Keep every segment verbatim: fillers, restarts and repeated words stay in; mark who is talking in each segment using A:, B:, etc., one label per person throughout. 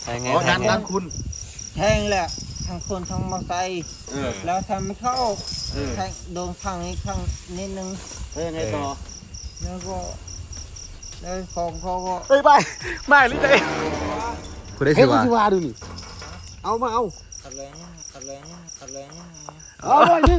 A: แทงไง
B: อ๋อ
A: แท
B: ด้าง น
A: ไง
B: ด้านคุณ
C: แทงแหละทั้งคนทั้งมอไซค์
B: เออ
C: แล้วทำไม่เข้า
B: เออ
C: แทงโดนข้างนี้ข้างนิดนึง
B: แล้วยังไงต่อ
C: แล้วก็แล้วของเขาก็
A: เฮ้ยไปไม่หรือไงคุณได้
B: เฮ้
A: สิ
B: ยกู
A: วะ
B: สิว่าดูนี่เอามาเอา
C: อะไรเนี่ยอะไรเนี่ยอะไรเนี่ย
B: เอาไปนึง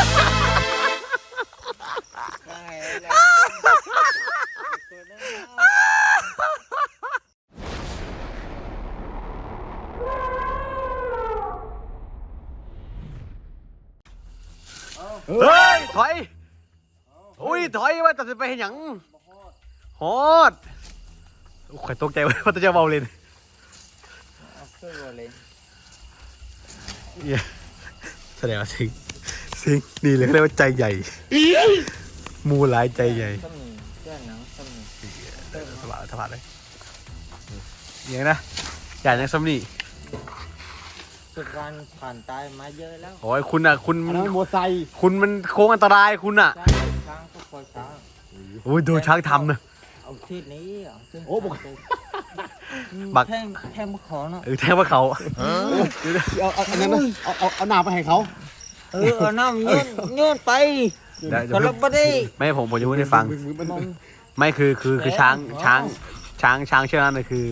C: ได้แล้ว
A: เฮ้ยถอยอุ้ยถอยว่าตัดสินไปเห็นหยังฮอดโอ้ยตกใจว่าจะเบาเลย
C: เอาขึ้นมาเลย
A: เนี่ยแสดงว่าสิงสิงนี่เลยเขาเรียกว่าใจใหญ่มูหลายใจใหญ่
C: สมีเพื่อนหนังสมี
A: สบายสบายเลยอย่างนี้นะอย่างยังสำนี
C: สุดการผ่านตายมาเยอะแล้ว
A: โอ้ยคุณอ่ะคุณ
B: อันนั้นมอไซค์
A: คุณมันโค้งอันตรายคุณอ่ะ
C: ช้างก็คอยช้าง
A: โอ้ยโดนช้างทำนะ
C: เอาที่นี้เอาที่
B: โอ้บอก
A: บัก
C: แทงแทงมะขอเนาะ
A: เออแทงว่าเขา
B: เอาเอาอันนั้นนะเอาเอาเอาหนาไปให้เขา
C: เออเอาน้ำโยนโยนไป
A: เดี๋ยวเดี๋
C: ก็
A: ยว
C: เราไม่ได้
A: ไม่ผมผมจะพูดให้ฟัง
B: มึมัน
C: มอง
A: ไม่คือคือคือช้าง
C: อ๋อ
A: ช้างช้างช้างเชือกนั้นน่ะคือ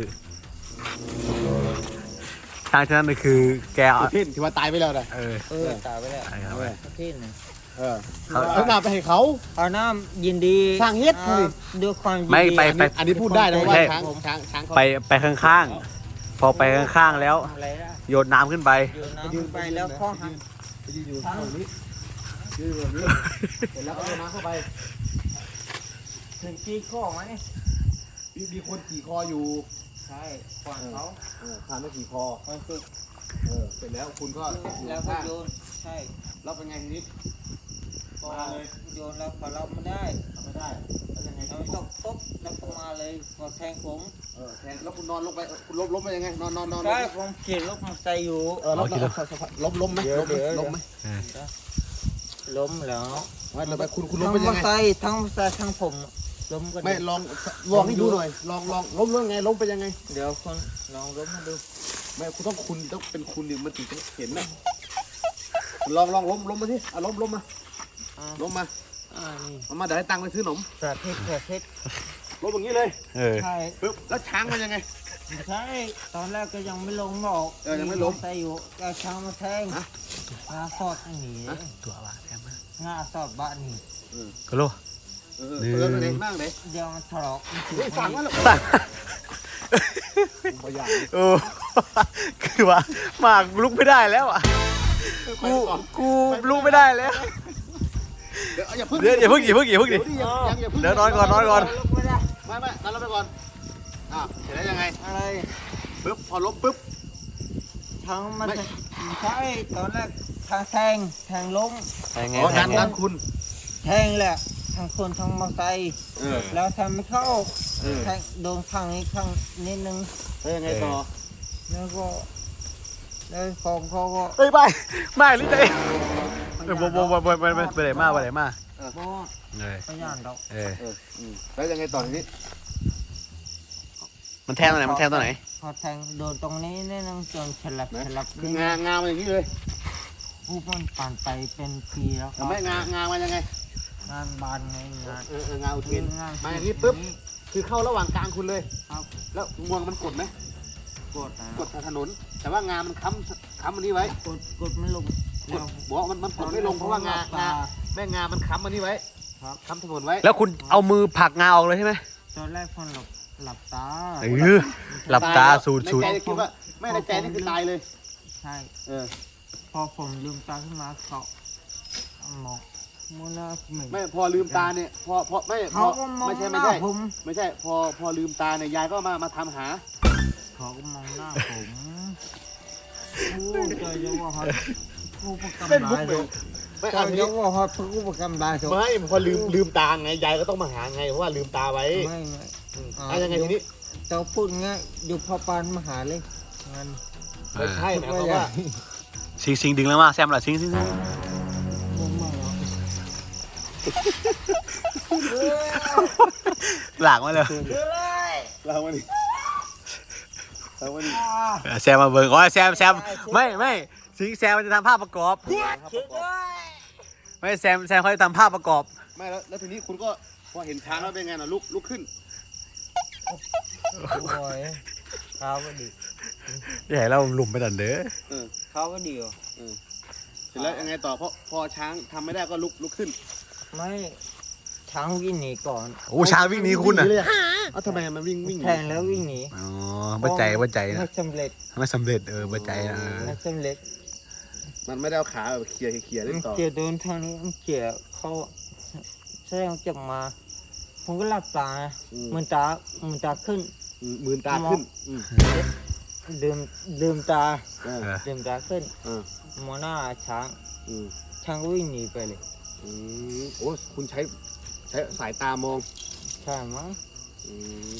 A: ช้างเชือกนั้นน่ะคือแกเอา
B: เพ่นที่ว่าตายไปแล้วนะ
A: เออ
C: เออตายไปแล้ว
A: ไอ้ครับ
C: ที่นึง
B: เออเอาหนาไปให้เขา
C: เอาน้ำยินดี
B: สร้างเฮ็ด
C: อ่า
B: เลย
C: ด้วยความยินดี
A: ไม่ไป
B: อันนี้อันนี้พูดได้นะว่าช้างช้างช้างเขา
A: ไปไปข้างๆ พอไปข้างๆแล้ว
C: อะไรล่ะ
A: โยนน้ำขึ้นไป
C: โยนน้ำไปแล้วข้อหัก
B: ไปยืนอยู่ตรงนี้ยืนอยู่แบบนี้เสร็จแล้วก็เอาน้ำเข้าไป
C: ถึงที่ข้อไหม
B: มีมีคนขี่คออยู่
C: ใช่ขวานเขา
B: เออผ่านมาขี่คอ
C: มันฝึก
B: เออเสร็จแล้วคุณก็อยู่
C: แล้วก็
B: ข้าง
C: โยนใช่
B: แล้วเป็นไงทีนี้
C: ก็โยนแล้วพอเราไม่ได้
B: ทำไม่ได้แล้วยังไง
C: เราตกปุ๊บแล้วก็มาเลยก็แทงผม
B: เออแทนแล้วคุณนอนลงไปเออคุณล้มล้มไปยังไงนอนนอนนอน
C: ใช่ผมขี่รถมอเตอร์ไซค์อยู่
B: เออล้มล้มล้มล้มไหมล้มไหมล้มไหม
C: ล้มแล้ว
B: ไม่เราไปคุณคุณล้
C: ทั้
B: ม
C: ง
B: ไป
C: มอ
B: ยั
C: เต
B: ง
C: อ
B: ไง
C: ร์ไซค์ทั้งมอเตอร์ไซค์ทั้งผมล้มกัน
B: ไม่ลองลองให้ดูหน่อยลองลองล้มเรื่องไงล้มไปยังไง
C: เดี๋ยวคนลองล้มมาดู
B: ไม่คุณต้องคุณต้องเป็นคุณดิมันถึงจะเห็นนะลองลองล้มล้มมาที่อ่ะล้มล้มมา
C: อ่า
B: ล้มมา
C: อ่านี่
B: เอามาเดี๋ยวให้ตังค์ไปซื้อขนม
C: สาธิตสาธิต
B: ล้มอย่างนี้เลย
A: เออ
C: ใช่
B: ปึ๊บแล้วช้างมันยังไง
C: ใช่ตอนแรกก็ยังไม่ลงหรอก
B: เออยังไม่ลง
C: อเตอร์ซค์อยู่ก็ช้างมาแทง
B: ฮะ
C: งาสอดอันนี้
A: ตัวว่าแทงมาก
C: งาสอดบ้านนี่
A: ก็รู้
B: เออเออเป็นไงบ้างเลย
C: เดี๋ยวมันถลอกมันถูก
B: เฮ้ยสั่งมาแล้ว
A: สั่ง
B: ผมพยายาม
A: โอ้คือว่าหมากลุกไม่ได้แล้วอ่ะกูกูลุกไม่ได้แล้ว
B: เดี๋ยวอย่าพึ่ง
A: เดี๋ยวอย่าเพิ่งอย่าเพิ่งอย่าเพิ่งดิ
B: เดี๋ยวยังอย่าพึ่ง
A: เดี๋ยวนอนก่อนนอนก่อน
C: ลุกไม่ได้
B: ไม่ไม่นอนไปก่อนอ่ะเสร็จแล้วยังไง
C: อะไร
B: ปึ๊บพอล้มปึ๊บ
C: ทั้งมัน
B: ไม่
C: จะใช่ตอนแรกทางแทงแทงล้ม
A: แทงไง
B: อ๋อ
A: แท
B: ด้าง น
A: ไง
B: ด้านคุณ
C: แทงแหละทั้งคนทั้งมอเตอร์ไซค์
B: เออ
C: แล้วทำไม่เข้า
B: เออ
C: แทงโดนข้างนี้ข้างนิดนึง
B: แล้วยังไงต่อ
C: แล้วก็แล้วของเขาก็
A: เฮ้ยไปไม่หรือไงเออบ่บ่บ่บ่บ่บ่ไปไหนมาไปไหนมา
C: บ่
A: เออ
C: พยานดอก
A: เออ
B: เอออืมแล้วยังไงต่อทีนี้
A: มันแทงตรงไหนมันแทงตรงไหน
C: พอแทงโดนตรงนี้นิดนึงจนฉลับฉลับ
B: คืองางามันอย่างนี้เลย
C: ผู้มันผ่านไปเป็นปีแล้วค
B: แต่
C: รับ
B: ไม่งางามันยังไง
C: งานบานไงงาน
B: เออเอองาอุเทน
C: งาน
B: มาอย่างนี้ปุ๊บคือเข้าระหว่างกลางคุณเลย
C: ครับ
B: แล้วงวงมันกดไหม
C: กดนะ
B: กดทางถนน แต่ว่างามันค้ำค้ำอันนี้ไว้
C: กดกดมันลง
B: กด
C: แล้ว
B: บอกว่ามันมันกดไม่ลงเพราะว่างางาแม่งามันค้ำอันนี้ไว้
C: ครับ
B: ค้ำถนนไว้
A: แล้วคุณเอามือผลักงาออกเลยใช่ไหม
C: ตอนแรกคนหลับหลับตา
A: เออหลับตาสูดสูด
B: ในใจคิดว่าไม่ในใจนี่คือตายเลย
C: ใช่
B: เออ
C: พอผมลืมตาขึ้นมาเขามองมูนาเหม็น
B: ไม่พอลืมตาเนี่ยพอพอไม่พ
C: เขา
B: อ
C: ก็มอง
B: ไม่ใช่
C: ห
B: ไม่
C: น้า
B: ใช่
C: ผม
B: ไม่ใช่พอพอลืมตาเนี่ยยายก็มามาทำหา
C: เขาก็มองหน้าผมโอ้เจอเยอะว่าเขาผู้ประกำ
B: เป็น
C: ได้
B: มุกเลยไม่
C: เจ
B: เอา
C: อ
B: ที
C: เย
B: นี้
C: อะว่าเขาผู้ประกำได้เขา
B: ไม่พอลืมลืมตาไงยายก็ต้องมาหาไงเพราะว่าลืมตาไว้
C: ไม่ไม่
B: อืม
C: อ่า
B: เอายังไงทีนี้
C: เจ้าพูดง่ายอยู่พอปานมหาเลยงาน
B: ไม่ใช่หมายความว่า
A: สิงสิงดึงแล้วมาแซมล่ะสิงสิงสิง
C: ผมมาแล้ว
A: หลากมาเลย
C: เลย
B: เราวันนี้แต่ว่านี่
A: เออแซมมาเบิ่งอ๋อแซมแซมไม่ไม่สิงแซมมันจะทำภาพประกอบ
C: ช่วยด้วย
A: ไม่แซมแซมเขาจะทำภาพประกอบ
B: ไม่แล้วแล้วทีนี้คุณก็พอเห็นช้างแล้วเป็นไงน่ะลุกลุกขึ้น
C: โอ้ยข้าวก็ดี
A: อย่าให้เราหลุมไปดันเด้อ
B: เออ
C: ข้าวก็ดีอ่ะ
B: เสร็จแล้วยังไงต่อเพราะพอช้างทำไม่ได้ก็ลุกลุกขึ้น
C: ไม่ช้างวิ่งหนีก่อน
A: โอ้ช้างวิ่งหนีคุณอ่ะ
B: เลยอะเอ้าทำไมมันวิ่งวิ่งห
C: แท
B: นี
C: งแล้ววิ่งหนี
A: อ๋อบัใจบัใจ
C: ไม่
A: นะ
C: สำเร็จ
A: ไม่สำเร็จเออบัใจนะเออ
C: ไม่สำเร็จ
B: มันไม่ได้เอาขาแบบเขี่ยเขี่ยเล่นต่อ
C: เกี่ยวโดนทางนี้มันเกี่ยวเขาแสดงจับมา ผมก็หลับตา
B: อืม
C: มันตามันตาขึ้น
B: อืมมือตาขึ้นอืม
C: ลืมลืมตา
B: เออ
A: เออ
C: ลืมตาขึ้น
B: เออ
C: มองหน้าช้าง
B: อืม
C: ช้างก็วิ่งหนีไปเลย
B: อืมโอ้คุณใช้ใช้สายตามอง
C: ใช่มั้ง
B: อืม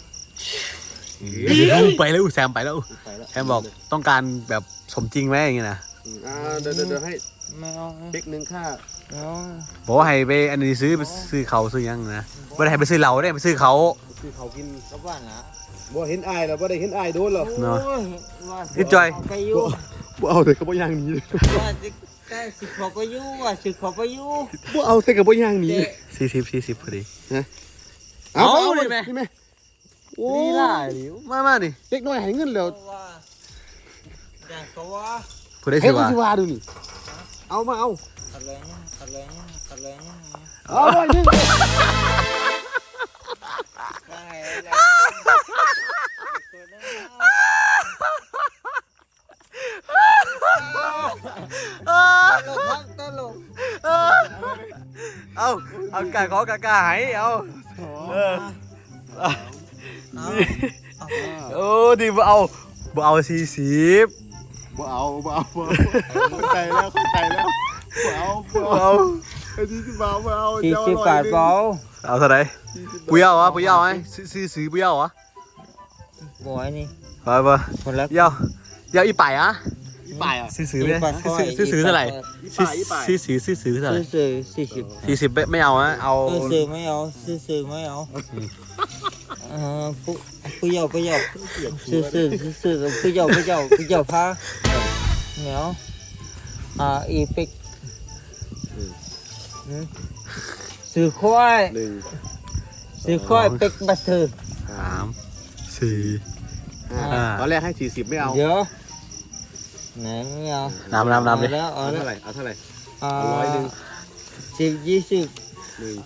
A: เดี๋ยวไปแล้วแซมไปแล้ว
B: ไปแล้ว
A: แซมบอกต้องการแบบสมจริงไหมอย่างเงี้ยนะ
B: อืมอ่าเดี๋ยวเดี๋ยวเดี๋ยวให้
C: ไม่เอา
B: เด็กหนึ่งค่า
C: ไม่เอา
A: บอกว่าให้ไปอันนี้ซื้อไปซื้อเขาซื้อยังนะไม่ได้ให้ไปซื้อเหล้าได้ไปซื้อเขา
B: คือเขากิน
C: กลับบ้านนะ
B: บ่เห็นอายแล้วบ่ได้เห็นอายโดนหรอ
C: โอ้ยว่า
A: นี่จอย
C: ไปอยู่
B: บ่เอาแต่ก็บ่ย่างหนี
C: ว่าสิได้สิขอไปอยู่ว่าสิขอไปอยู่
B: บ่เอาแต่ก็บ่ย่างหนี
C: เจ๊
A: สี่สิบสี่สิบพอดี
B: เอา
A: เอา
B: เอา
A: ดิ
B: ดิ
A: แม่
B: แม่นี่แม่โอ้
A: นี่ล่ะหลิวมามาดิ
B: เด็กน้อยให้เงินแล้ว
C: เพราะว่าอย่างเขาว่า
A: ผู้ได้
B: ให้
A: สิ
B: กู
A: ว่า
B: สิว่าดูนี่เอามาเอา
C: อะไรเนี่ยอะไรเนี่ยอะไรเนี่ย
B: เอาไว้นึง
C: ได้แล้วตัวนั้นตลกครับตลก
A: เอาเอากาขอกากาหายเอาเออ
C: เอา
A: โอ้ดีบ่เอาบ่เอาสี่สิบ
B: บ่เอาบ่เอาบ่เอาเข้าใจแล้วเข้าใจแล้วบ่เอาบ่
A: บ่
B: เอา
A: เอา
B: ไอ้ที่สิบ่เอาบ่เอา
C: สี่สิบบาทเปล่า
A: เอาเท่าไหร่ปุยเอาวะปุยเอาไหมซื้อซื้อซื้อปุยเอาวะ
C: บอยนี่
A: ไปไป
C: คนละ
A: เยาเยาอีป่ายอะ
B: อีป่ายอ่ะ
A: ซื้อซื้อเลยซื้อซื้อเท่าไหร่
B: อีป่ายอีป่าย
A: ซื้อซื้อซื้อซื้อเท่าไหร่
C: ซื้อซื้อสี่สิบ
A: สี่สิบไม่เอาอะเอา
C: เออซื้อไม่เอาซื้อซื้อไม่เอาเออผู้ผู้ยาวผู้ยาวซื้อซื้อซื้อซื้อผู้ยาวผู้ยาวผู้ยาวพาเหนียวอ่าอีปิกซื้อควาย
B: หนึ่ง
C: ซื้อควายเป็กบัตเตอร์
A: สามสี่
B: ห้า
A: อ่า
B: ตอนแรกให้สี่สิบไม่เอา
C: เดี๋ยวไหนไม่เอา
A: น้ำน้ำน้ำดิ
C: เอาแล้วเอา
B: เอา
C: แล้ว
B: เท่าไหร่เอาเท่าไหร่
C: อ่า
B: เอาร้อยหนึ่ง
C: สิบยี่สิบ
B: หนึ่ง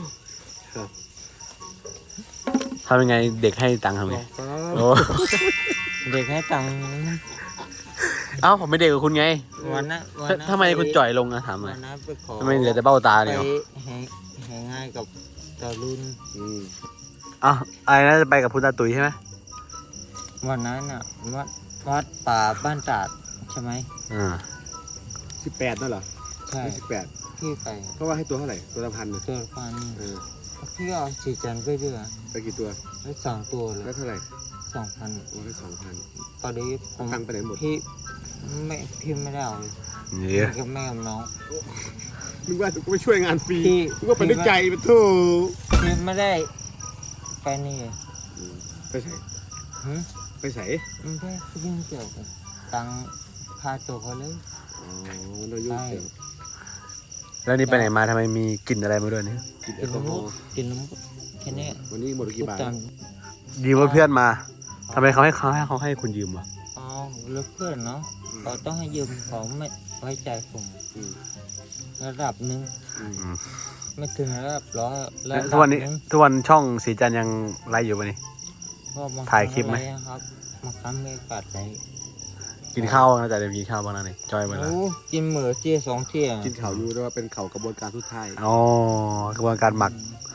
A: ทำยังไงเด็กให้ตังค์ทำไงโอ้
C: เด็กให้ตังค์
A: เอ้าผมไม่เด็กกับคุณไง
C: วันนั้นวันนั้น
A: ทำไมคุณจ่อยลงอะถามหน่
C: วั
A: อย
C: นนั้นไปขอ
A: ทำไมเหลือแต่เบ้าตา
C: ไป
A: เดียว
C: แหงแหงง่ายกับตาลุน
B: อืม
A: อ้าวอะไรนะจะไปกับคุณตาตุ๋ยใช่ไหม
C: วันนั้นน่ะวัดวัดป่าบ้านตาดใช่ไหม
A: อ่า
B: สิบแปดนั่นเหรอ
C: ใช่
B: ไม่สิบแปด
C: พี่ไป
B: เพราะว่าให้ตัวเท่าไหร่ตัวละพันนะ
C: ตัวพัน
B: เออ
C: พี่เอาสีจันทร์ไปด้วย
B: ไปกี่ตัว
C: ได้สองตัวเล
B: ได้
C: ย
B: เท่าไหร่
C: สองพัน
B: โอ้ได้สองพัน
C: ตอนนี้ผม
B: ตังค์ไปไหนหมด
C: พี่ไม่พี่ไม่ได้เอาเลย
A: นี่
C: พี่กับแม่กับน้อง
B: นึกว่ากูไปช่วยงานฟรี
C: พี่
B: นึกว่าไปด้วยใจไปโถ
C: พี่ไม่ได้ไปนี่
B: อืมไปใส่
C: หึ
B: ไปใส่
C: ไม่ได้ยุ่งเกี่ยวกับตังค์พาตัวเขาเลย
B: อ๋อมันเรายุ่งเกี่ยว
A: แล้วนี่ไปไหนมาทำไมมีกลิ่นอะไรมาด้วยเนี่ย
B: กินแอ
C: กิ
B: ล
C: น
B: กอฮ
C: น้
B: อล์
C: ำกินน้ำแค่นี้
B: วันนี้หมดไปกี่บาท
C: ตาม
A: ยืมว่าเพื่อนมาทำไมเขาให้เขาให้เขาให้คุณยืมวะ
C: อ๋อแล้วเพื่อนเนาะเขาต้องให้ยืมเขาไม่ไว้ใจผม
B: อืม
C: ระดับหนึ่ง
B: อืม
A: อืม
C: ไม่ถึงระดับร้อยระดับ
A: ทุกวันนี้
C: หง
A: ทุกวันช่องสีจันทร์ยังไลฟ์อยู่ปะนี่
C: ก็บาง
A: ถ่ายคลิปไหม
C: รั้งอะรครับบางครั้งไม่ปัดเลย
A: กินข้าวนะแต่เดี๋ยวกินข้าวบ้างนะนี่จอยมาแล้ว
C: โอ้กินเหมือเจี๊ยสองเที่ย
B: กินข่าวอยู่ด้วยว่าเป็นข่าวกระบวนการสุดท้าย
A: อ๋อกระบวนการหมัก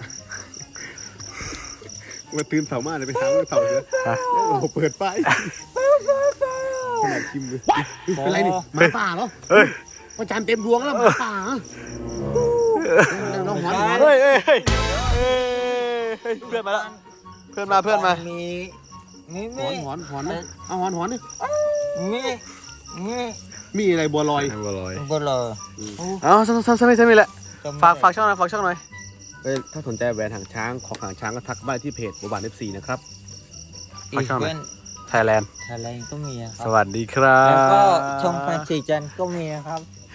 B: มาตื่นเสาร์มาเลยไปหาเสาร์เยอะ
A: ฮะ
B: โอ้โหเปิดไฟขนาดคิมเลยเป็นไรนี่หมาป่าเหรอ
A: เฮ้ย
B: พระจันทร์เต็มดวงแล้วหมาป่าเหรอเราหอนหอน
A: เฮ้ยเฮ้ยเฮ้ยเฮ้ยเฮ้ยเพื่อนมาแล้วเพื่อนมาเพื่อนมา
C: มีมี
B: ห
C: มี
B: อนหอนหอนนะเอาหอนหอนนี่
C: มีมี
B: มีอะไรบัวลอย
A: บัวลอย
C: บลอ
A: เอาซ้ำซ้ำซ้ำไม่ซ้ำไม่แหละ
C: จำไม่
A: ฝาก
C: ได้
A: ฝากช่องหน่อยฝากช่องหน่อย
B: เอ้ยถ้าสนใจแหวนหางช้างของหางช้างก็ทักมาที่เพจบัวบานเอฟซีนะครับ
C: อีเวนต์
A: ไทยแลนด์
C: ไทยแลนด์ก็มีนะค
A: ส
C: รับ
A: วัสดีครับ
C: แล้วก็ช่องพันสีจันทร์ก็มีนะครับ